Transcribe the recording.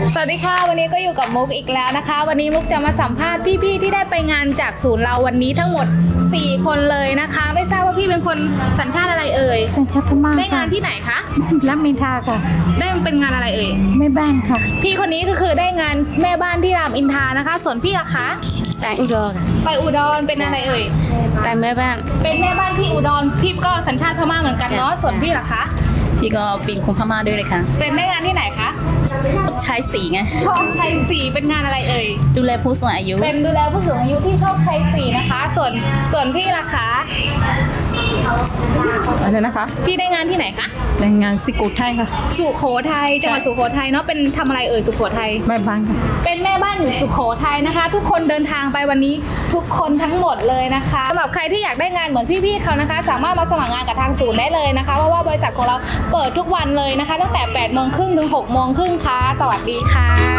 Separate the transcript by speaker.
Speaker 1: สวัสดีค่ะวันนี้ก็อยู่กับมุกอีกแล้วนะคะวันนี้มุกจะมาสัมภาษณ์พี่ๆที่ได้ไปงานจากศูนย์เราวันนี้ทั้งหมด4คนเลยนะคะไม่ทราบว่าพี่เป็นคนสัญชาติอะไรเอ่ย
Speaker 2: สัญชาติพม่า
Speaker 1: ได้งานที่ไหนคะ
Speaker 2: รักมินทาค่ะ
Speaker 1: ได้เป็นงานอะไรเอ่ย
Speaker 2: แม่บ้านค่ะ
Speaker 1: พี่คนนี้ก็คือได้งานแม่บ้านที่รามอินทรานะคะส่วนพี่ล่ะคะ
Speaker 2: ไปอุดร
Speaker 1: ไปอุดรเป็นอะไรเอ่ย
Speaker 2: ไปแม่บ้าน
Speaker 1: เป็นแม่บ้านที่อุดรพี่ก็สัญชาติพม่าเหมือนกันเนาะส่วนพี่ล่ะคะ
Speaker 3: พี่ก็เป็นคนพม่าด้วยเลยค่ะ
Speaker 1: เป็นได้งานที่ไหนคะ
Speaker 3: ใช้สีไง
Speaker 1: โชคชัย4เป็นงานอะไรเอ่ย
Speaker 3: ดูแลผู้สูงอายุ
Speaker 1: เป็นดูแลผู้สูงอายุที่โชคชัย4นะคะส่วนพี่ล่ะคะ
Speaker 4: อะไรนะคะ
Speaker 1: พี่ได้งานที่ไหนคะ
Speaker 4: ในงานสิโกไทยค่ะ
Speaker 1: สุโขทัยจังหวัดสุโขทัยเนาะเป็นทำอะไรเอ่ยสุโขทัย
Speaker 4: แม่บ้านค่ะ
Speaker 1: เป็นแม่บ้านอยู่สุโขทัยนะคะ ทุกคนเดินทางไปวันนี้ทุกคนทั้งหมดเลยนะคะสำหรับใครที่อยากได้งานเหมือนพี่ๆเขานะคะสามารถมาสมัครงานกับทางศูนย์ได้เลยนะคะเพราะว่าบริษัทของเราเปิดทุกวันเลยนะคะตั้งแต่ 8:30 ถึง 6:30 ค่ะสวัสดีค่ะ